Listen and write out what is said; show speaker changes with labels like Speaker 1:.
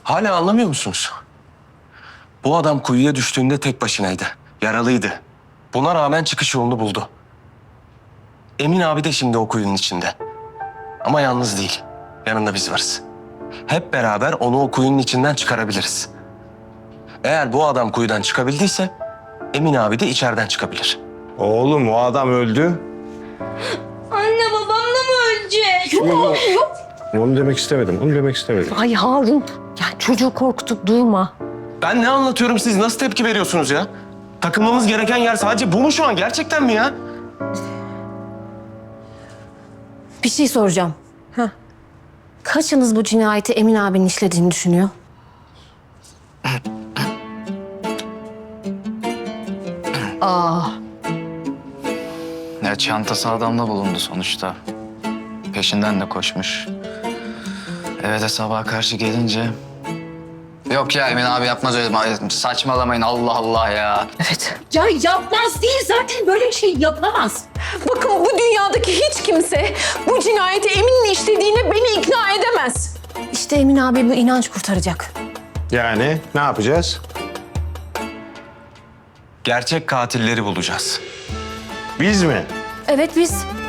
Speaker 1: Hala anlamıyor musunuz? Bu adam kuyuya düştüğünde tek başınaydı. Yaralıydı. Buna rağmen çıkış yolunu buldu. Emin abi de şimdi o kuyunun içinde. Ama yalnız değil. Yanında biz varız. Hep beraber onu o kuyunun içinden çıkarabiliriz. Eğer bu adam kuyudan çıkabildiyse Emin abi de içeriden çıkabilir.
Speaker 2: Oğlum o adam öldü.
Speaker 3: Anne babam da mı ölecek?
Speaker 4: Yok.
Speaker 2: Onu demek istemedim. Onu demek istemedim.
Speaker 4: Ay Harun, ya çocuğu korkutup durma.
Speaker 1: Ben ne anlatıyorum, siz nasıl tepki veriyorsunuz ya? Takılmamız gereken yer sadece bu mu şu an? Gerçekten mi ya?
Speaker 4: Bir şey soracağım. Kaçınız bu cinayeti Emin abinin işlediğini düşünüyor?
Speaker 5: Ya çantası adamda bulundu sonuçta. Peşinden de koşmuş. Eve de sabaha karşı gelince... Yok ya Emin abi yapmaz öyle. Saçmalamayın Allah Allah ya.
Speaker 4: Evet.
Speaker 6: Ya yapmaz değil, zaten böyle bir şey yapamaz. Bakın bu dünyadaki hiç kimse bu cinayeti Emin'in işlediğine beni ikna edemez.
Speaker 4: İşte Emin abi bu inanç kurtaracak.
Speaker 2: Yani ne yapacağız?
Speaker 1: Gerçek katilleri bulacağız.
Speaker 2: Biz mi?
Speaker 4: Evet biz.